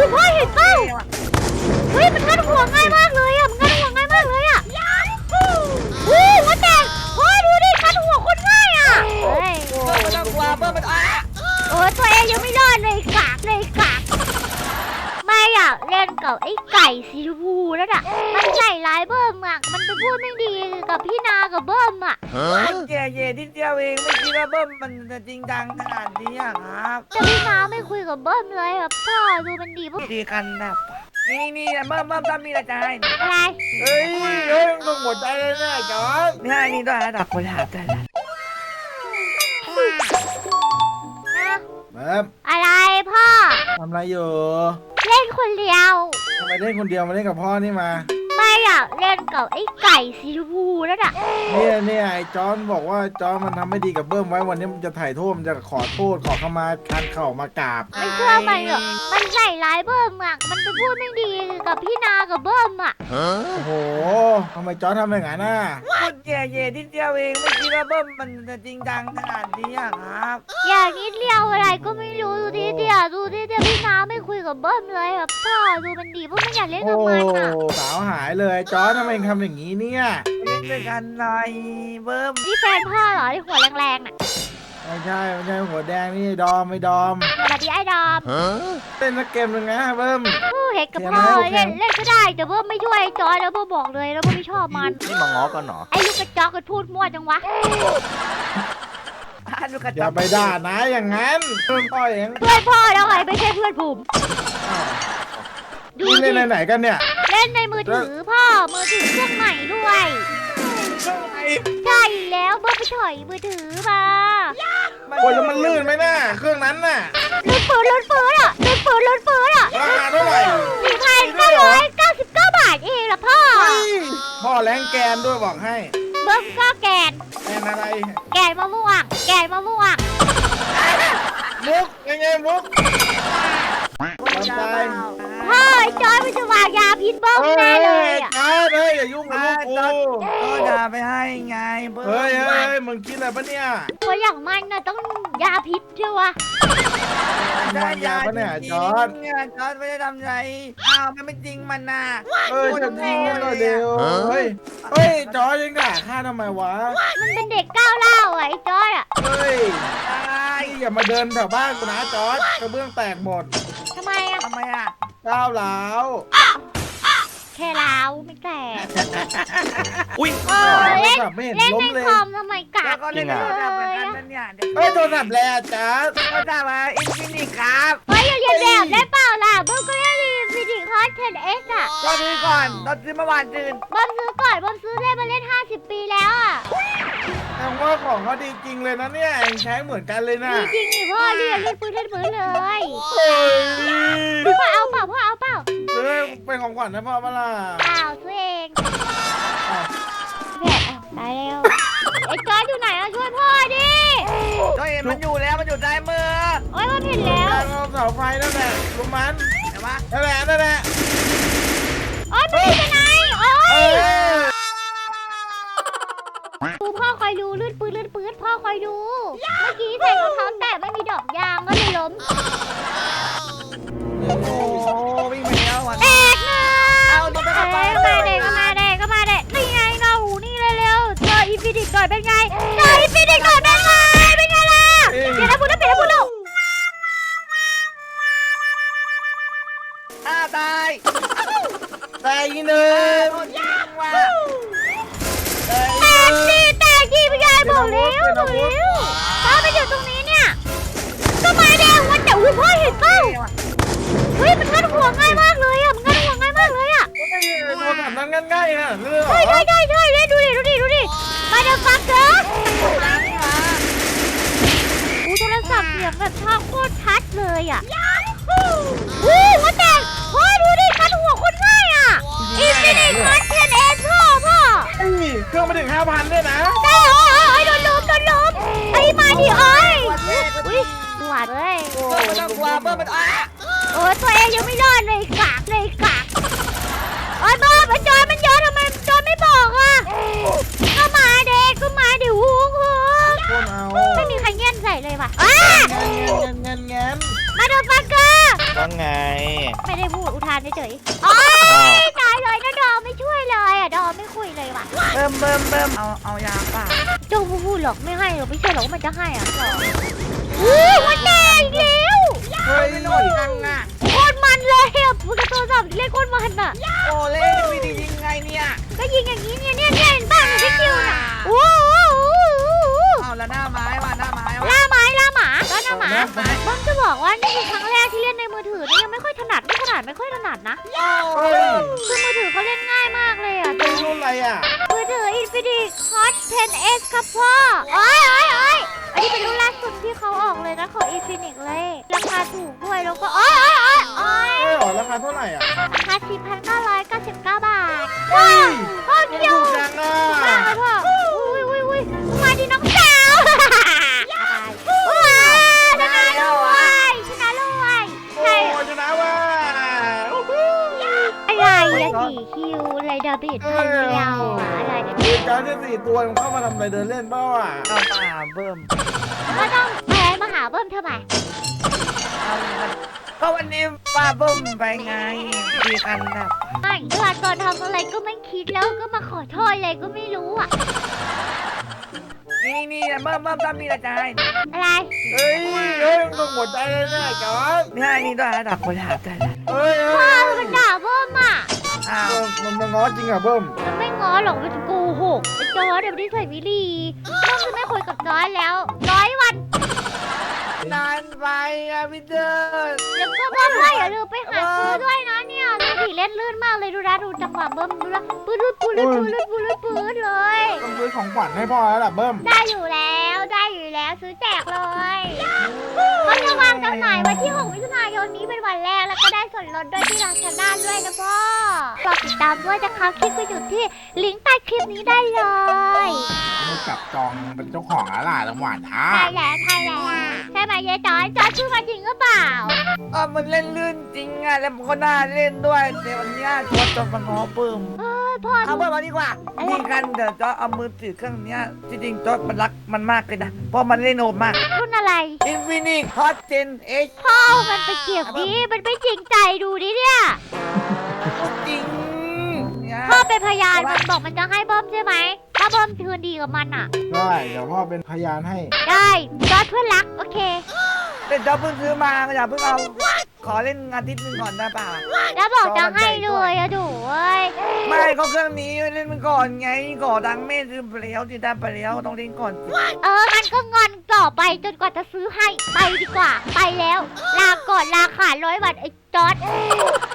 พ่อเห็นเปล่าเฮ้ยมันงัดหัวง่ายมากเลยอ่ะมันงัดหัวง่ายมากเลยอ่ะหัวแตกพ่อดูดิงัดหัวคนง่ายอ่ะเฮ้ยมันต้องกลัวเบิ้มมันตัวเองยังไม่รอดเลยกากไม่อยากเล่นกับไอ้ไก่สีชมพูนั่นอ่ะมันใส่ร้ายเบิ้มอ่ะมันไปพูดไม่ดีกับพี่นากับเบิ้มอ่ะแย่ที่เดียวเองไม่คิดว่าเบิ้มมันจะจริงจังขนาดนี้ครับแต่พี่นาไม่คุยกับเบิ้มเลยแบบพ่อดูมันดีปุ๊บดีกันแบบนี่เบิ้มทำมีอะไรอะไรเฮ้ยต้องหมดใจเลยนะจอร์ดนี่ต้องหาดักคนหาใจแล้วอะไรพ่อทำอะไรอยู่เล่นคนเดียวทำไมเล่นคนเดียวมาเล่นกับพ่อนี่มาไม่อยากเล่นกับไอ้ไก่สีชมพูนั่นอ่ะเนี่ยไอ้จอนบอกว่าจอนมันทำไม่ดีกับเบิ้มไว้วันนี้มันจะถ่ายโทษมันจะขอโทษขอเข้ามาคันเข่ามากราบไม่เชื่อมันหรอกมันใส่ร้ายเบิ้มอ่ะมันไปพูดไม่ดีกับพี่นากับเบิ้มอ่ะโอ้โหทำไมจอนทำอย่างนั้นน่ะพูดแย่ที่เดียวเองไม่คิดว่าเบิ้มมันจะจริงจังขนาดนี้ครับอย่างนิดเดียวอะไรก็ไม่รู้ดูดิเดียวพี่นาไม่คุยกับเบิ้มเลยแบบพ่อดูมันดีเพราะไม่อยากเล่นกับมันอ่ะสาวหายเลยจอนทำไมทำอย่างนี้เนี่ยเล่นด้วยกันหน่อยเบิ้มนี่แฟนพ่อเหรอที่หัวแรงๆน่ะไม่ใช่หัวแดงนี่ดอมไม่ดอมสวัสดีไอ้ดอมเล่นสักเกมหนึ่งนะเบิ้มเห็นกับพ่อเล่นก็ได้แต่เบิ้มไม่ช่วยจอยแล้วเบิ้มบอกเลยแล้วเบิ้มไม่ชอบมันนี่มาง้อกันเหรอไอ้ลูกกระจอกก็พูดมั่วจังวะอย่าไปด่านะอย่างนั้นเพื่อนพ่อเองเพื่อนพ่อแล้วไงไม่ใช่เพื่อนผมดูเล่นไหนกันเนี่ยเล่นในมือถือพ่อมือถือเครื่องใหม่ด้วยใช่แล้วเบิ้มไปถอยมือถือมาโอ้ยแล้วมันลื่นไหมน่ะเครื่องนั้นน่ะลื่นปืนอ่ะราคาเท่าไหร่4,999 บาทเองล่ะพ่อแรงแกนด้วยบอกให้เบิ้มก็แกนอะไรแกนมะม่วงมุกยังไงมุกพ่อจอยมันจะวางยาพิษเบิ้มแน่เลยอ่ะอย่ายุ่งกับลูกกูก็ด่าไปให้ไงเบิ้มเฮ้ยมึงคิดอะไรปะเนี่ยคนอย่างมันน่ะต้องยาพิษใช่ปะได้ยาปะเนี่ยจอร์ดไม่ได้ทำไรมันไม่จริงมันน่ะจะทิ้งกันเดียวเฮ้ยจอร์ดยังด่าข้าทำไมวะมันเป็นเด็กก้าวเล่าไอ้จอร์ดอ่ะอย่ามาเดินแถวบ้านกูนะจอร์ดกระเบื้องแตกหมดทำไมอ่ะก้าวหลาวแค่ล้าวไม่แตกอุ้ยเล่นในคอมทำไมกัดเล่นโทรศัพท์เหมือนกันนั่นเนี่ยโทรศัพท์แล้วจ้าโทรศัพท์มาอินฟินิตครับอย่าเรียนแบบได้เปล่าล่ะเบิ้มก็เล่นอินฟินิตคอร์ส 10S อ่ะเราซื้อก่อนเราซื้อเมื่อวานซื้อเบิ้มซื้อก่อนเบิ้มซื้อเล่นมาเล่น50 ปีแล้วอ่ะแต่ว่าของเขาดีจริงเลยนะเนี่ยใช้เหมือนกันเลยนะดีจริงนี่พ่อเล่นปืนเลยพ่อเอาเปล่าเป็นของขวัญนะพ่อเปล่าซื้อเองแผลตายแล้วไอ้จอยอยู่ไหนอ่ะช่วยพ่อดิก็เห็นมันอยู่แล้วมันอยู่ใต้มือโอ้ยมันเห็นแล้วเสาไฟนั่นแหละลุงมันนั่นแหละโอ้ยมันอยู่ไหนโอ้ยดูพ่อคอยดูลื่นปืนพ่อคอยดูเมื่อกี้ใส่รองเท้าแตะไม่มีดอกยางก็เลยล้มโอ้วิ่งไปแล้ววันแตกนะก็มาเด็กนี่ไงเรานี่เร็วเจออินฟินิตก่อนเป็นไงล่ะเดี๋ยวนะพูดลูกตายอีกหนึ่งแตกดีพี่ยายบอกแล้วพ่อไปอยู่ตรงนี้เนี่ยก็มาแดงวันแต่พ่อเห็นเปล่าเฮ้ยมันงัดหัวง่ายมากเลยอ่ะตัวทำนั้นง่ายๆนะใช่เล่นดูดิมาเดฟักเกอร์โทรศัพท์เสียงแบบช่องโคตรชัดเลยอ่ะหัวแตกพ่อดูดิคัดหัวคนง่ายอ่ะอินฟินิตคัด10Sพ่อเครื่องมาถึง 5,000ด้วยนะใช่โดนล้มไอ้มาดิหวานเลยมันต้องกลัวเบิ้มมันตัวเองยังไม่รอดเลยกากโอ้ยบ้ามันจอยมันเยอะทำไมจอยไม่บอกอ่ะก็มาเด็กหูไม่มีใครเงี้ยนใส่เลยว่ะเงินมาเดฟักเกอร์ว่าไงไม่ได้พูดอุทานเฉยๆโอ๊ยตายเลยนะดอมไม่ช่วยเลยอ่ะดอมไม่คุยเลยว่ะเบิ่มเอายาเปล่าเจ้าพูดหรอกไม่ให้หรอกไม่เชื่อหรอกว่ามันจะให้อ่ะอุ้ยมันแดงอีกแล้วเฮ้ยไม่โดนทังอ่ะโคตรมันเลยอ่ะพูดกับโทรศัพท์เล่นโคตรมันอ่ะโอ้เล่นวิธียิงไงเนี่ยก็ยิงอย่างนี้เนี่ยเห็นป่ะในคิวน่ะโอ้โหเอาแล้วหน้าไม้ว่ะหน้าไม้ว่ะล่าหมาแล้วหมาบ้อมจะบอกว่านี่คือครั้งแรกที่เล่นในมือถือนี่ยังไม่ค่อยถนัดไม่ค่อยถนัดนะเฮ้ยคือมือถือเขาเล่นง่ายมากเลยอ่ะเป็นรุ่นอะไรอ่ะมือถือ Infinix Hot 10s ครับพ่อโอ้ยอันนี้เป็นรุ่นล่าสุดที่เขาออกเลยนะของ Infinix เลยราคาถูกด้วยแล้วก็โอ้ยเฮ้ยหรอราคาเท่าไหร่อ่ะราคา 4,999 บาทเฮ้ยพ่อเคียวถูกจังอ่ะมากเลยพ่ออุ้ยมาดิน้องสาวว้าชนะเลยใช่โอ้ชนะว่ะอะไรอะ4 คิวอะไรดาบิดพันเดียวอะไรคือการที่4 ตัวมันเข้ามาทำอะไรเดินเล่นเปล่าอ่ะเอาป่าเบิ่มก็ต้องแพ้มาหาเบิ้มทำไมก็วันนี้ป้าเบิ่มไปไงดีกันนะไม่เวลาก่อนทำอะไรก็ไม่คิดแล้วก็มาขอโทษอะไรก็ไม่รู้อะนี่เบิ่มทำมีอะไรจะให้อะไรเฮ้ยมึงต้องหมดใจเลยนะจอนนี่ด้วยระดับคนหาใจแล้วเฮ้ยพ่อมันด่าเบิ้มอะอ้าวมันง้อจริงอ่ะเบิ้มมันไม่ง้อหรอกมันจะโกหกไอ้จอร์ดเดี๋ยวนี้ใส่วิลีเบิ้มจะไม่คุยกับจอร์ดแล้ว100 วันนานไปอะพี่เดินแล้วก็เบิ้มว่าอย่าลืมไปหาซื้อด้วยนะเนี่ยดูดิเล่นลื่นมากเลยดูนะดูจังหวะเบิ้มดูนะปื๊ดเลยต้องซื้อของขวัญให้พ่อแล้วล่ะเบิ้มได้อยู่แล้วซื้อแจกเลยเขาจะวางจำหน่ายวันที่ 6 มิถุนายนนี้เป็นวันแรกแล้วก็ได้ส่วนลดด้วยที่ร้านชาด้าด้วยนะพ่อฝากติดตามด้วยนะคะคลิกไปอยู่ที่ลิงก์ใต้คลิปนี้ได้เลยไม่จับจองเป็นเจ้าของแล้วล่ะจังหวะนะใช่แล้วใช่ไหมยายจอยชื่อมาจริงหรือเปล่ามันเล่นลื่นจริงอะแล้วมันก็น่าเล่นด้วยแต่วันนี้จอจะมาง้อเบิ่มเอ้ยพ่อเอาเบิ่มมาดีกว่านี่กันเดี๋ยวจอเอามือถือเครื่องนี้จริงๆจอมันรักมันมากเลยนะเพราะมันเล่นโหดมากรุ่นอะไร Infinix Hot 10s พ่อมันไปเก็บดิมันไม่จริงใจดูดิเนี่ยจริงเนี่ยพ่อเป็นพยานมันบอกมันจะให้เบิ้มใช่ไหมถ้าเบิ้มคืนดีกับมันอ่ะได้เดี๋ยวพ่อเป็นพยานให้ได้จอร์ดเพื่อนรักโอเคแต่จอเพิ่งซื้อมาอย่าเพิ่งเอาขอเล่นอาทิตย์หนึงก่อนได้ป่ะแล้วบอกจะให้เลยอะดูเว้ยไม่เขาเครื่องนี้เล่นมันก่อนไงก่อดังแม่ซื้อไปแล้วที่ได้ไปแล้วต้องเล่นก่อนสิมันก็งอนต่อไปจนกว่าจะซื้อให้ไปดีกว่า ไปแล้ว ลาก่อนลาขาด100 วันไอ้จอร์ด